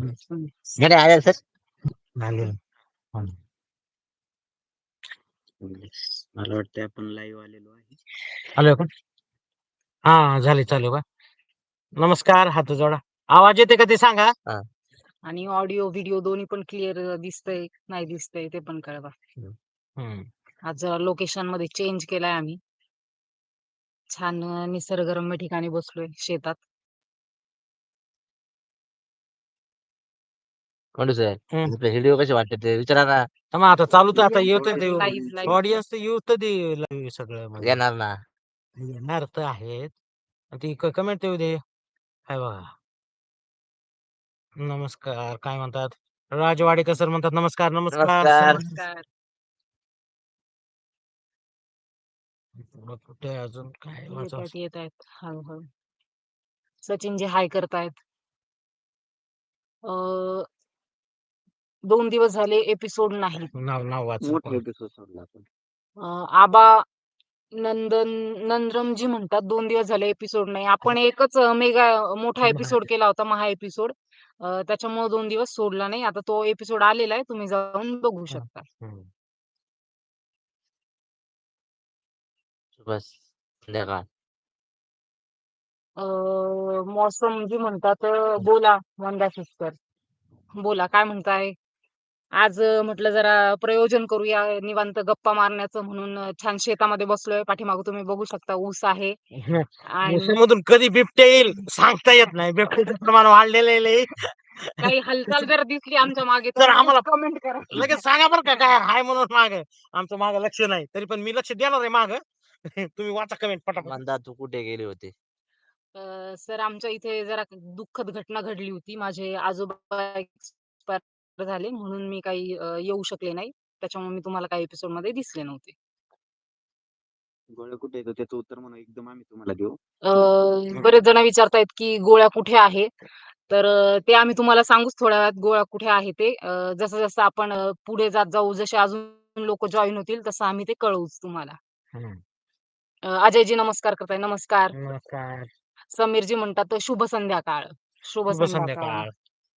घड्याळ आले सर आले. मला वाटतं आपण लाईव्ह आलेलो आहे. आलोय का? हा झाले चालू का? नमस्कार, हात जोडा. आवाज येते का ते सांगा. हा. आणि ऑडिओ व्हिडिओ दोन्ही पण क्लिअर दिसतंय नाही दिसतंय ते पण कळवा. आज जरा लोकेशन मध्ये चेंज केलाय आम्ही. छान निसर्गरम्य ठिकाणी बसलोय शेतात. कोण सर व्हिडिओ कसे वाटते ते विचारा ना. मग आता चालू तर आता येत Live. ऑडियन्स तर येऊ तर दे live सगळं म्हणजे. येणार ना. येणार तर आहेत. ती कमेंट येऊ दे. काय बघा. नमस्कार काय म्हणतात राजवाडेकर सर म्हणतात नमस्कार नमस्कार नमस्कार. नमस्कार. कुठे अजून काय वाचावं? येत आहेत हळूहळू. सचिनजी हाय करतायत. 2 दिवस झाले एपिसोड नाही. नाव वाच मोठा एपिसोड सोडला आपण. आबा नंदरमजी म्हणतात 2 दिवस झाले एपिसोड नाही. आपण एकच मेगा मोठा एपिसोड केला होता महा एपिसोड. त्याच्यामुळे 2 दिवस सोडला नाही. आता तो एपिसोड आलेला आहे तुम्ही जाऊन बघू शकता. बस संध्याकाळ. मौसमजी म्हणतात बोला वंदा सिस्टर बोला काय म्हणताय. आज म्हटलं जरा प्रयोजन करूया निवांत गप्पा मारण्याचं म्हणून छान शेतामध्ये बसलोय. पाठीमागं तुम्ही बघू शकता ऊस आहे. आणि मधून कधी बिबट्या येईल सांगता येत नाही. बिबट्याचं प्रमाण वाढलेलं आहे. काही हालचाल जर दिसली आमच्या मागे तर आम्हाला कमेंट करा. लगेच सांगा बरं का काय हाय म्हणून माग आमचं माग लक्ष नाही तरी पण मी लक्ष देणार आहे माग. तुम्ही वाचा कमेंट पटापट. मंदा तू कुठे गेले होते? सर आमच्या इथे जरा दुःखद घटना घडली होती. माझे आजोबा एक्सपायर झाले म्हणून मी काही येऊ शकले नाही. त्याच्यामुळे मी तुम्हाला काही एपिसोड मध्ये दिसले नव्हते. गोळ्या कुठे येतो त्याचं उत्तर म्हणून एकदम आम्ही तुम्हाला देऊ. बरेच जण विचारतायत की गोळ्या कुठे आहे. तर ते आम्ही तुम्हाला सांगूच थोड्या वेळात गोळ्या कुठे आहे ते. जसं जसं आपण पुढे जात जाऊ जसे अजून लोक जॉईन होतील तसं आम्ही ते कळवूच तुम्हाला. अजयजी नमस्कार करताय. नमस्कार. नमस्कार समीरजी म्हणतात शुभ संध्याकाळ. शुभ शुभ संध्याकाळ. संध्याकाळ.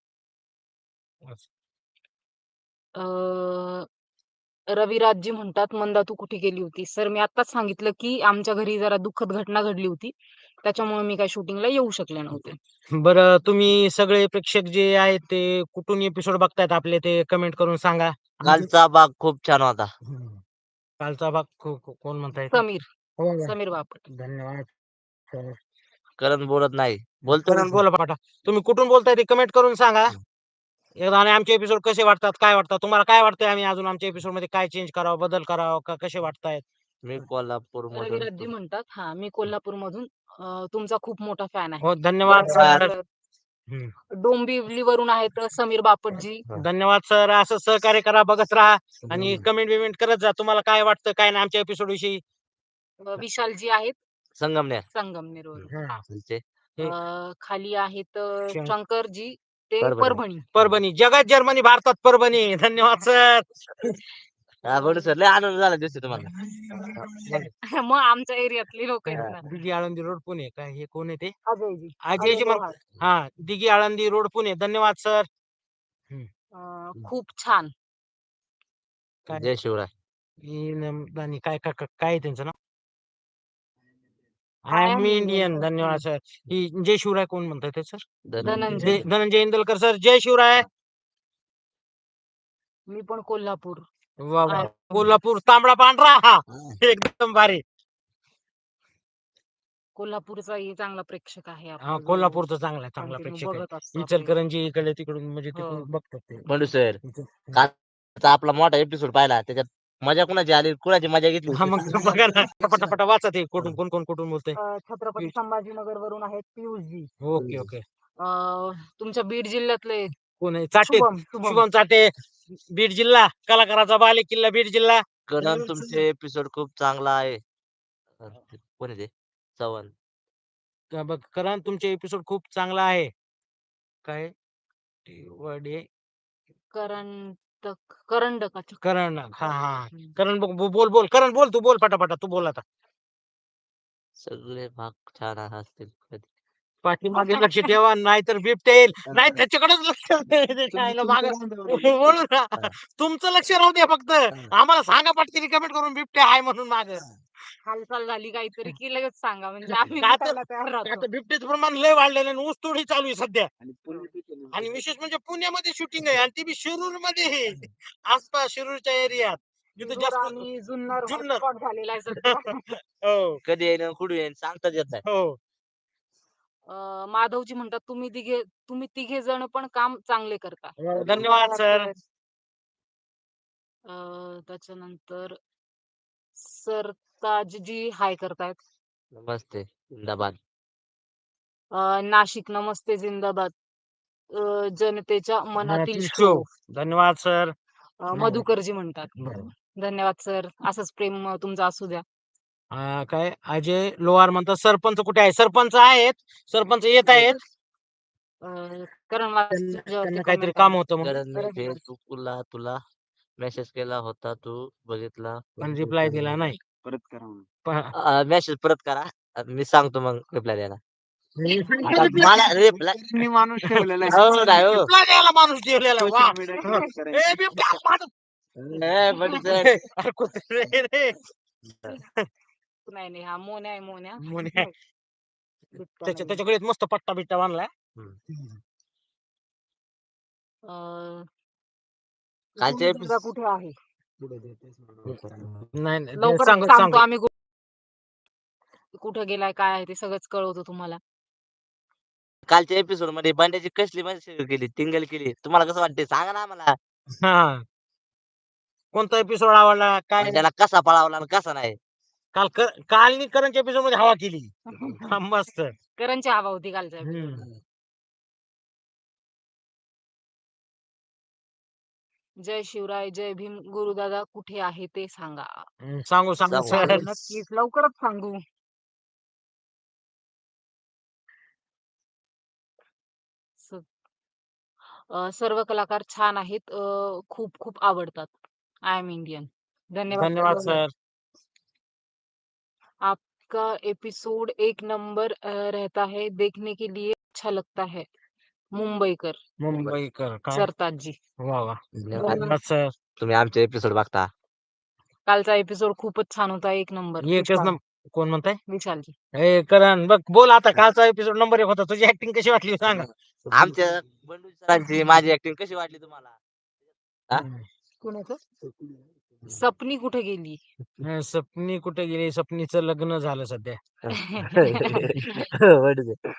रविराजजी म्हणतात मंदा तू कुठे गेली होती. सर मी आताच सांगितलं की आमच्या घरी जरा दुःखद घटना घडली होती. त्याच्यामुळे मी काही शूटिंगला येऊ शकले नव्हते. बरं तुम्ही सगळे प्रेक्षक जे आहेत ते कुठून एपिसोड बघतायत आपले ते कमेंट करून सांगा. कालचा भाग खूप छान होता. कालचा भाग कोण म्हणताय? समीर बापट. धन्यवाद. करण बोलत नाही. बोलतो करण बोला पाठा. तुम्ही कुठून बोलताय ते कमेंट करून सांगा. एकदा आणि आमचे एपिसोड कसे वाटतात काय वाटतात तुम्हाला काय वाटतंय आम्ही अजून आमच्या एपिसोड मध्ये काय चेंज करावं बदल करावं का कसे वाटतायत? मी कोल्हापूर रविराजजी मधून. म्हणतात मी कोल्हापूर मधून तुमचा खूप मोठा फॅन आहे. हो धन्यवाद सर. डोंबिवलीवरून आहेत समीर बापटजी. धन्यवाद सर. असं सहकार्य करा बघत राहा आणि कमेंट बिमेंट करत जा तुम्हाला काय वाटतं काय नाही आमच्या एपिसोड विषयी. विशालजी आहेत संगमनेर. संगमनेरवरून. खाली आहेत शंकरजी ते परभणी. जगात जर्मनी भारतात परभणी. धन्यवाद सर. हा बोलू सर लय आनंद झाला दिसतो तुम्हाला. मग आमच्या एरियातली लोक आहेत ना. दिघी आळंदी रोड पुणे काय हे कोण आहे ते? अजयजी. अजयजी हा दिघी आळंदी रोड पुणे. धन्यवाद सर. खूप छान. जय शिवराय. काय काय काय त्यांचं नाव? I am Indian. धन्यवाद सर. ही जय शिवराय कोण म्हणताय ते सर? धनंजय इंदलकर सर. जय शिवराय. मी पण कोल्हापूर. कोल्हापूर तांबडा पांढरा हा एकदम भारी. कोल्हापूरचाही चांगला प्रेक्षक आहे. कोल्हापूरचा चांगला प्रेक्षक आहे. इचलकरंजी इकडे तिकडून म्हणजे तिकडून बघतात ते. म्हणू सर कालचा आपला मोठा एपिसोड पाहिला त्याच्यात मजा कुणाची आली कुणाची मजा घेतली? बघा ना पटापटा वाचा ते कुठून कोण बोलतोय. छत्रपती संभाजीनगर वरून आहेत पियुषजी. ओके. तुमच्या बीड जिल्ह्यातले कोण आहे? चाटे. शुभम चाटे बीड जिल्हा. कलाकाराचा बाले किल्ला बीड जिल्हा. करण तुमचे एपिसोड खूप चांगला आहे. कोण आहे ते? चव्हाण. बघ करण तुमचे एपिसोड खूप चांगला आहे. काय वडे करंडक. करण हा करण बोल करण बोल तू बोल पटापटा तू बोल आता. सगळे भाग छान असतील. पाठीमागे लक्ष ठेवा नाहीतर बिबट्या येईल नाही त्याच्याकडेच लक्ष द्यायला मागं बोलू ना तुमचं लक्ष राहू द्या फक्त आम्हाला सांगा पटकन कमेंट करून बिबट्या आहे म्हणून माग हालचाल झाली काहीतरी की लगेच सांगा म्हणजे आम्ही का तर- भेटायला तयार राहतो. बिबट्याचं प्रमाण लय वाढलेलं आहे ऊस तोडी चालू आहे सध्या आणि विशेष म्हणजे पुण्यामध्ये शूटिंग आहे आणि ती बी शिरूर मध्ये आसपास शिरूरच्या एरियात तिथे शिरूर जास्त आणि जुन्नर जुन्नर. हॉटस्पॉट झालेला आहे सध्या. हो कधी येईन कुठे येईन सांगताच येत नाही. हो माधवजी म्हणतात तुम्ही तिघे जण पण काम चांगले करता. धन्यवाद सर त्याच्यानंतर सरताजजी हाय करतायत. नमस्ते जिंदाबाद. नाशिक नमस्ते जिंदाबाद. जनतेच्या मनातील शो. शो धन्यवाद सर मधुकरजी म्हणतात. धन्यवाद सर. असंच प्रेम तुमचं असू द्या. काय अजय लोहार म्हणतात सरपंच कुठे आहे सरपंच आहेत सरपंच येत आहेत करण त्यांना काहीतरी काम होतं म्हणून कारण मी फेसबुकला तुला मेसेज केला होता तू बघितला पण रिप्लाय दिला नाही मेसेज परत करा मी सांगतो मग रिप्लाय द्यायला. आता मला रिप्लाय माणूस ठेवलेला हो नाही हो. Reply द्यायला माणूस ठेवलेला वा ए, बिबट्या, माणूस. ए, पण सर, अरे, कुत्रे रे. नाही हा मोन्या आहे मोन्या. मुन्या. बिबट्या नाहीये. त्याच्याकडे एक मस्त पट्टा बिट्टा बांधलाय अं, कालच्या गुरुदादा कुठे आहे नाही नाही, लवकर सांगू सांगतो सांगू आम्ही कुठे गेलाय काय आहे ते सगळंच कळवतो तुम्हाला. कालच्या एपिसोड मध्ये बंड्याची कसली मजा केली टिंगल केली तुम्हाला कसं वाटते सांगा ना आम्हाला. हा कोणता एपिसोड आवडला काय त्याला कसा पळावला आणि कसा नाही. काल करंच्या एपिसोड मध्ये हवा केली हा, मस्त करणची हवा होती कालच्या episode मध्ये. हम्म. जय शिवराय जय भीम. गुरुदादा कुठे आहे ते सांगा. सांगू सांगू सांगू. सर नक्कीच लवकरच सांगू. सर्व कलाकार छान आहेत. खूप खूप आवडतात. I am Indian. धन्यवाद सर आपका एपिसोड एक नंबर रहता है. देखने के लिए अच्छा लगता है. मुंबईकर मुंबईकर काय सरताजजी. वा वा धन्यवाद. धन्यवाद सर तुम्ही आमचे एपिसोड बघता. कालचा एपिसोड खूपच छान होता. एक नंबर. एकच कोण म्हणताय विशालजी. ए करण बघ बोल आता कालचा एपिसोड नंबर 1 होता तुझी ऍक्टिंग कशी वाटली सांग आमच्या बंडू सरांची माझी ऍक्टिंग कशी वाटली तुम्हाला. हा? कुणाचं सपनी कुठे गेली. सपनी कुठे गेली सपनीचं लग्न झालं सध्या बंडू sir.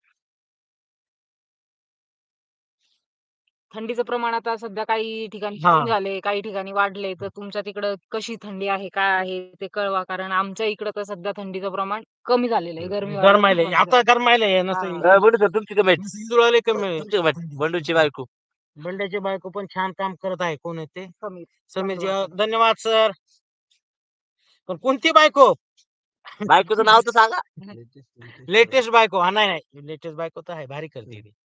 थंडीचं प्रमाण आता सध्या काही ठिकाणी हा. कमी झाले काही ठिकाणी वाढले. तर तुमच्या तिकडं कशी थंडी आहे काय आहे ते कळवा. कारण आमच्या इकडं तर सध्या थंडीचं प्रमाण कमी झालेलं आहे. गरमायले आता गरमायले हा. बंडू सर तुमची कमेंट जुळाले कमी तुमची कमेंट बंडूची बायको. बंड्याची बायको पण छान काम करत आहे कोण आहे ते कमी. समीरजी धन्यवाद सर पण कोणती बायको बायकोचं नाव तर सांगा. लेटेस्ट बायको हा नाही लेटेस्ट बायको तर आहे भारी करते ती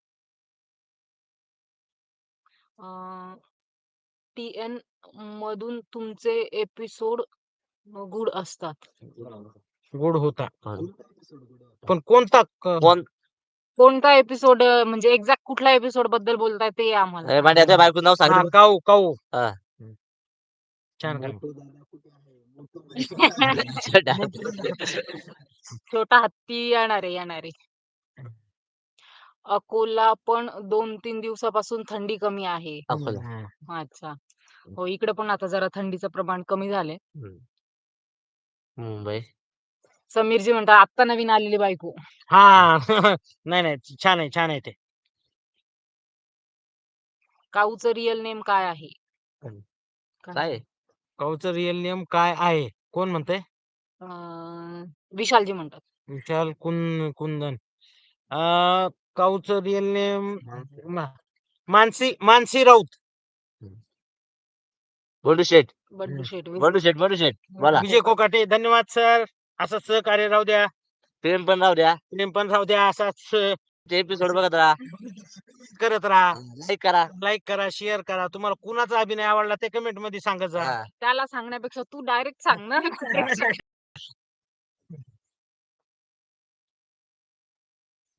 TN मधून तुमचे एपिसोड गुड असतात. गुड होता पण कोणता कोण कोणता एपिसोड म्हणजे एक्झॅक्ट कुठल्या एपिसोड बद्दल बोलताय ते आम्हाला ए, बंड्या त्या बायकोचं नाव सांग. हा, काऊ काऊ हा. छान काम छोटा हत्ती येणार आहे. अकोला पण 2-3 दिवसापासून थंडी कमी आहे. अकोला. हा. अच्छा. हो इकडे पण आता जरा थंडीचं प्रमाण कमी झालंय. मुंबई. समीरजी म्हणतात आत्ता नवीन आलेली बायको. हा नाही छान आहे ते काऊचं रिअल नेम काय आहे. काय काऊचं रिअल नेम काय आहे कोण म्हणतंय विशालजी म्हणतात. विशाल कुंदन काऊचं रिअल नेम मानसी राऊत बंडू शेठ. बंडू शेट. बंडू शेठ बोला. विजय कोकाटे धन्यवाद सर असंच सहकार्य राहू द्या प्रेम पण राहू द्या. प्रेम पण राहू द्या असाच एपिसोड बघत राहा. करत राहा लाईक करा. लाईक करा शेअर करा तुम्हाला कुणाचा अभिनय आवडला ते कमेंट मध्ये सांगत जा हा. त्याला सांगण्यापेक्षा तू डायरेक्ट सांग ना.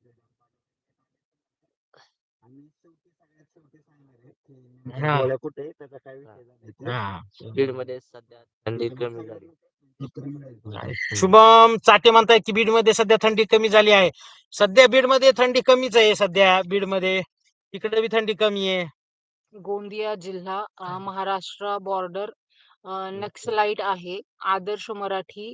हा. गोळ्या कुठे त्याचा काय विषय झाला हा. बीड मध्ये सध्या थंडी कमी झाली. शुभम चाटे म्हणताय की बीड मध्ये सध्या थंडी कमी झाली आहे. सध्या बीड मध्ये थंडी कमीच आहे. सध्या बीड मध्ये इकडे बी थंडी कमी आहे. गोंदिया जिल्हा महाराष्ट्र बॉर्डर नक्सलाइट आहे. आदर्श मराठी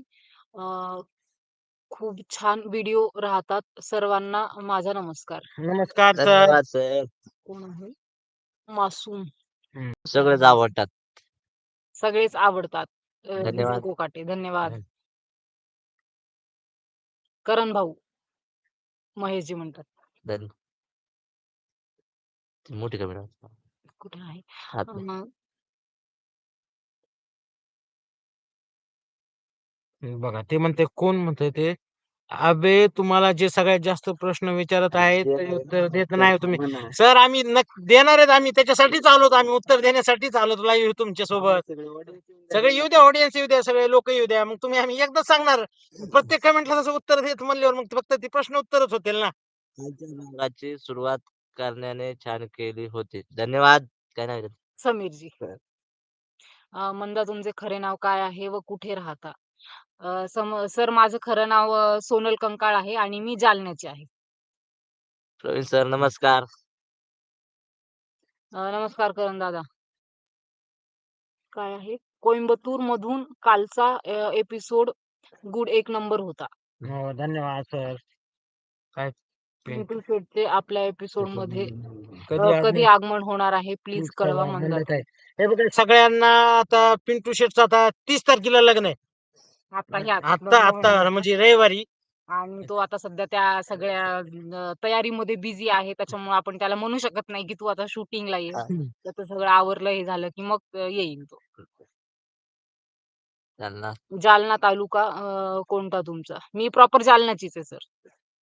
खूप छान व्हिडिओ राहतात. सर्वांना माझा नमस्कार. नमस्कार सर. धन्यवाद सर. कोण आहे? मासूम. सगळेच आवडतात. सगळेच आवडतात. विजय धन्यवाद. कोकाटे धन्यवाद. करण भाऊ महेशजी म्हणतात. धन्यवाद. मोठी कमी कुठे आहे? हात बघा ते म्हणते कोण म्हणते ते अबे तुम्हाला जे सगळ्यात जास्त प्रश्न विचारत आहेत ते उत्तर देत नाही तुम्ही. सर आम्ही देणार आहेत. आम्ही त्याच्यासाठीच आलोत. आम्ही उत्तर देण्यासाठीच आलोत लाईव्ह तुमच्या सोबत. सगळे येऊ द्या, ऑडियन्स येऊ द्या, सगळे लोक येऊ द्या. मग तुम्ही आम्ही एकदा सांगणार प्रत्येक कमेंटला तसं उत्तर देत म्हणल्यावर मग फक्त ते प्रश्न उत्तरच होतील ना. भागाची सुरुवात करण्याने छान केली होती. धन्यवाद. काय नाही समीरजी. मंदा तुमचे खरे नाव काय आहे व कुठे राहता? सर माझं खरं नाव सोनल कंकाळ आहे आणि मी जालन्याची आहे. प्रवीण सर नमस्कार. नमस्कार करण दादा. काय आहे? कोइंबतूर मधून कालचा एपिसोड गुड 1 नंबर होता. हो धन्यवाद सर. काय पिंटू शेटचे आपल्या एपिसोड मध्ये कधी कधी आगमन होणार आहे प्लीज कळवा मंदात. हे बघा सगळ्यांना आता पिंटू शेटचं आता 30 तारखेला लग्न आहे. आता म्हणजे रविवारी. आणि तो आता सध्या त्या सगळ्या तयारीमध्ये बिझी आहे. त्याच्यामुळे आपण त्याला म्हणू शकत नाही की तू आता शूटिंगला ये. त्याचं सगळं आवरलं हे झालं की मग येईल तो. जालना तालुका कोणता तुमचा? मी प्रॉपर जालन्याचीच आहे सर.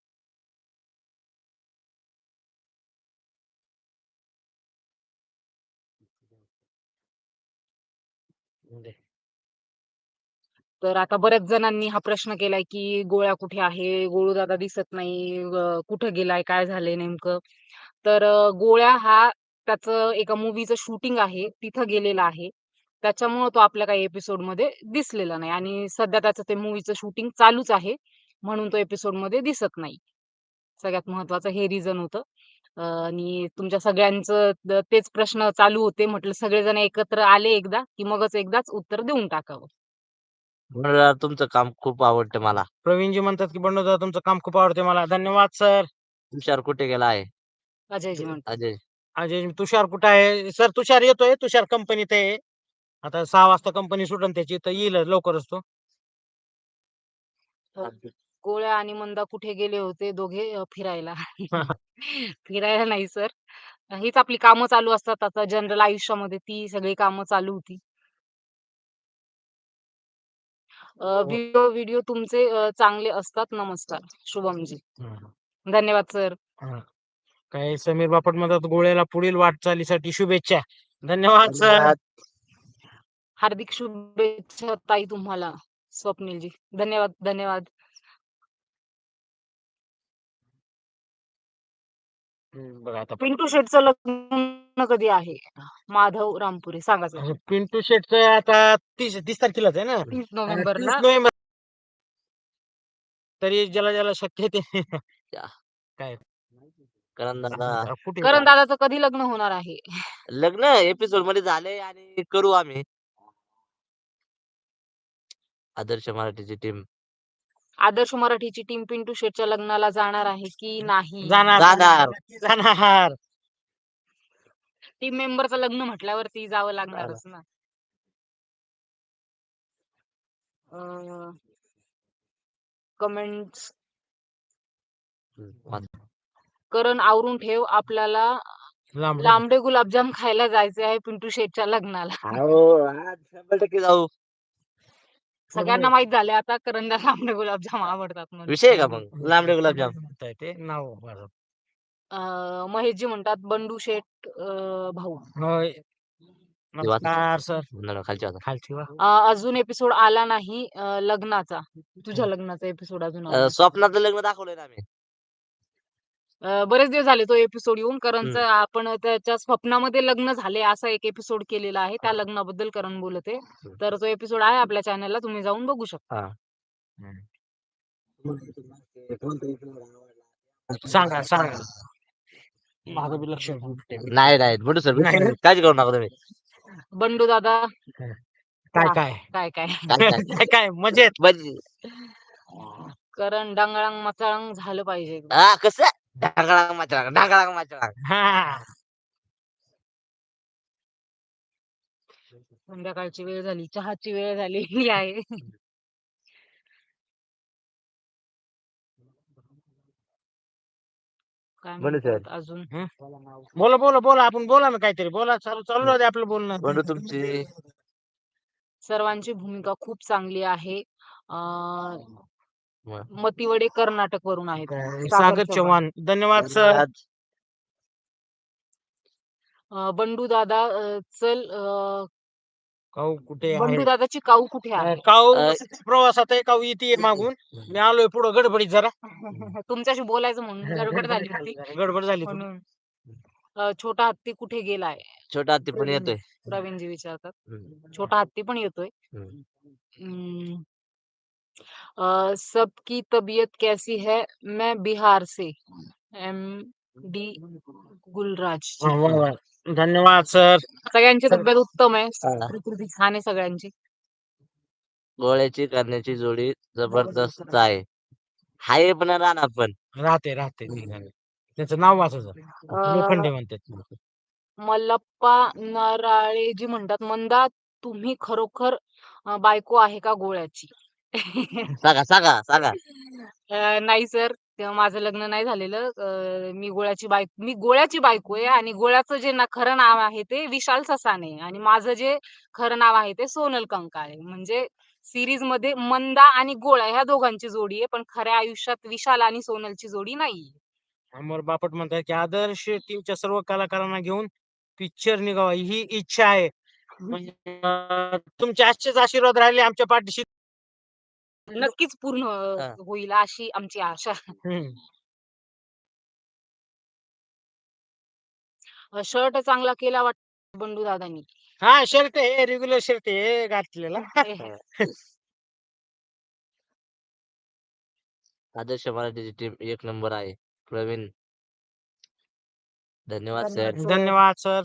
तर आता बऱ्याच जणांनी हा प्रश्न केलाय की गोळ्या कुठे आहे? गोळू दादा दिसत नाही. कुठं गेलाय? काय झालंय नेमकं? तर गोळ्या हा त्याचं एका मूवीचं शूटिंग आहे. तिथं गेलेला आहे. त्याच्यामुळे तो आपल्या काही एपिसोड मध्ये दिसलेला नाही आणि सध्या त्याचं ते मूवीचं शूटिंग चालूच आहे. म्हणून तो एपिसोड मध्ये दिसत नाही. सगळ्यात महत्वाचं हे रिझन होतं. आणि तुमच्या सगळ्यांचं तेच प्रश्न चालू होते. म्हटलं सगळेजण एकत्र आले एकदा की मगच एकदाच उत्तर देऊन टाकावं. तुमचं काम खूप आवडतं मला. प्रवीणजी म्हणतात की बंडू दादा तुमचं काम खूप आवडते मला. धन्यवाद सर. तुषार कुठे गेला आहे? अजयजी म्हणतात. अजय तुषार कुठे आहे? सर तुषार येतोय. तुषार कंपनीत आहे. आता 6 वाजता कंपनी सुटन त्याची तर येईल लवकरच तो. गोळ्या आणि मंदा कुठे गेले होते दोघे फिरायला? फिरायला नाही सर. हीच आपली कामं चालू असतात. आता जनरल आयुष्यामध्ये ती सगळी कामं चालू होती. व्हिडिओ तुमचे चांगले असतात. नमस्कार शुभमजी. धन्यवाद सर. काय समीर बापट म्हणतात गोळ्याला पुढील वाटचालीसाठी शुभेच्छा. धन्यवाद सर. हार्दिक शुभेच्छा ताई तुम्हाला स्वप्नीलजी. धन्यवाद धन्यवाद. बघा आता पिंटू शेटचं लग्न कधी आहे? माधव रामपुरे सांगा सर. पिंटू शेटचं आता 30 तारखेलाच आहे ना. 30 नोव्हेंबरला. 30 नोव्हेंबर. तरी ज्याला ज्याला शक्य ते काय करण दादा करण दादाचं कधी लग्न होणार आहे? लग्न एपिसोड मध्ये झाले आणि करू आम्ही. आदर्श मराठीची टीम आदर्श मराठीची टीम पिंटू शेटच्या लग्नाला जाणार आहे की नाही? जाणार. टीम मेंबरचं लग्न म्हटल्यावरती जावं लागणारच ना. कमेंट्स करण आवरून ठेव. आपल्याला लांबडे गुलाबजाम खायला जायचे आहे पिंटू शेटच्या लग्नाला. आज 100% जाऊ. सगळ्यांना माहित झाले आता करणला लांबडे गुलाबजाम आवडतात म्हणून. विषय का मग लांबडे गुलाबजाम ते नाव महेशजी म्हणतात बंडू शेट भाऊ. नमस्कार सर. खालची अजून एपिसोड आला नाही लग्नाचा. तुझ्या लग्नाचा एपिसोड अजून आला. स्वप्नातलं लग्न दाखवलंय ना आम्ही. बरेच दिवस झाले तो एपिसोड येऊन. करणचं हम्म. आपण त्याच्या स्वप्नामध्ये लग्न झाले असा एक एपिसोड केलेला आहे. त्या लग्नाबद्दल करण बोलत आहे. तर तो एपिसोड आहे आपल्या चॅनलला, तुम्ही जाऊन बघू शकता. हा. सांगा सांगा. माझं बी लक्ष नाही नाही बंडू सर नाही ना? काळजी करू नका तुम्ही. बंडू दादा काय हा, काय काय काय काय काय काय काय मजेत. म्हणजे करण डांगळांग मचाळांग झालं पाहिजे एकदम. हा कसं ढाकळांग माचळांग ढाकळांग माचळांग. हा संध्याकाळची वेळ झाली, चहाची वेळ झालेली आहे. काय बंडू सर म्हणतात अजून? बोला बोला बोला आपण बोला ना काहीतरी बोला. चालू चालू राहू दे आपलं बोलणं. बंडू तुमची सर्वांची भूमिका खूप चांगली आहे. अं, म- मतिवडे कर्नाटक वरून आहेत. सागर चव्हाण धन्यवाद सर. बंडू दादा चल काऊ कुठे आहे? बंडू दादाची काऊ कुठे आहे? काऊ अ, प्रवासात आहे. काऊ येते मागून. मी आलोय पुढं गडबडीत जरा. तुमच्याशी बोलायचं म्हणून गडबड झाली होती गडबड झाली थोडी. म्हणून. छोटा हत्ती कुठे गेलाय? छोटा हत्ती पण येतोय. प्रवीणजी विचारतात. हम्म. छोटा हत्ती पण येतोय. हम्म. हम्म, सबकी तबीयत कैसी है? मैं बिहार से MD गुलराज. वा, वा, वा. धन्यवाद सर. सगळ्यांची तब्येत उत्तम आहे. हा. प्रकृती छान आहे सगळ्यांची. गोळ्याची करण्याची जोडी जबरदस्त आहे. हाय पण राहणार पण. राहते राहते त्याचं नाव वाचायचं. लोखंडे म्हणतात. मल्लप्पा नराळेजी म्हणतात, मंदा तुम्ही खरोखर बायको आहे का गोळ्याची? सांगा सांगा सांगा. नाही सर, तेव्हा माझं लग्न नाही झालेलं. मी गोळ्याची बायको आहे आणि गोळ्याचं जे खरं नाव आहे ते विशाल ससाने आणि माझं जे खरं नाव आहे ते सोनल कंकाळे. म्हणजे सिरीज मध्ये मंदा आणि गोळ्या ह्या दोघांची जोडी आहे, पण खऱ्या आयुष्यात विशाल आणि सोनलची जोडी नाही. अमर बापट म्हणतात की आदर्श टीमच्या सर्व कलाकारांना घेऊन पिक्चर निघावा ही इच्छा आहे. तुमचे आजचेच आशीर्वाद राहिले आमच्या पाठीशी. नक्कीच पूर्ण हा. होईल अशी आमची आशा. शर्ट चांगला केला वाटतं बंडू दादांनी. हा शर्ट आहे रेग्युलर शर्ट आहे घातलेला. आदर्श मराठीची टीम एक नंबर आहे. प्रवीण धन्यवाद सर. धन्यवाद सर.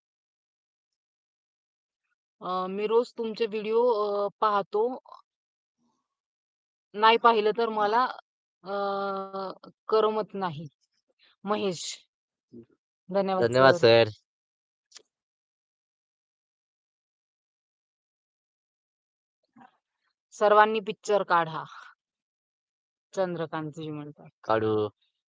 मी रोज तुमचे व्हिडिओ पाहतो. नाही पाहिलं तर मला करमत नाही. महेश धन्यवाद धन्यवाद सर. सर. सर्वांनी पिक्चर काढा. चंद्रकांतजी म्हणतात. काढू.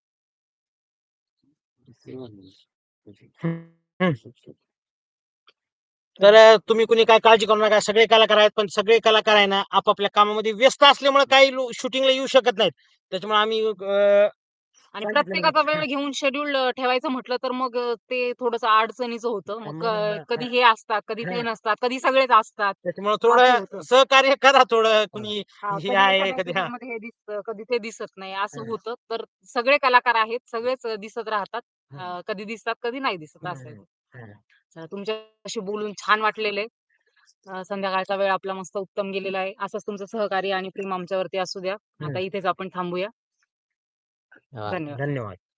तर तुम्ही कुणी काय काळजी करू नका. सगळे कलाकार आहेत पण सगळे कलाकार आहे ना आपापल्या कामामध्ये व्यस्त असल्यामुळे काही शूटिंगला येऊ शकत नाहीत. त्याच्यामुळे आम्ही आणि प्रत्येकाचा वेळ घेऊन शेड्यूल ठेवायचं म्हटलं तर मग ते थोडंसं अडचणीचं होतं. मग कधी हे असतात, कधी ते नसतात, कधी सगळेच असतात. त्याच्यामुळे असं थोडं होतं. सहकार्य करा थोडं कुणी हा, हे कधी आहे एखाद्या कधी serial मध्ये हे दिसतं, कधी ते दिसत नाही असं होतं. तर सगळे कलाकार आहेत, सगळेच दिसत राहतात. कधी दिसतात, कधी नाही दिसत असं आहे. चला, तुमच्याशी बोलून छान वाटलेलं आहे. संध्याकाळचा वेळ आपला मस्त उत्तम गेलेला आहे. असंच तुमचं सहकार्य आणि प्रेम आमच्यावरती असू द्या. आता इथेच आपण थांबूया. धन्यवाद. धन्यवाद. धन्यवाद.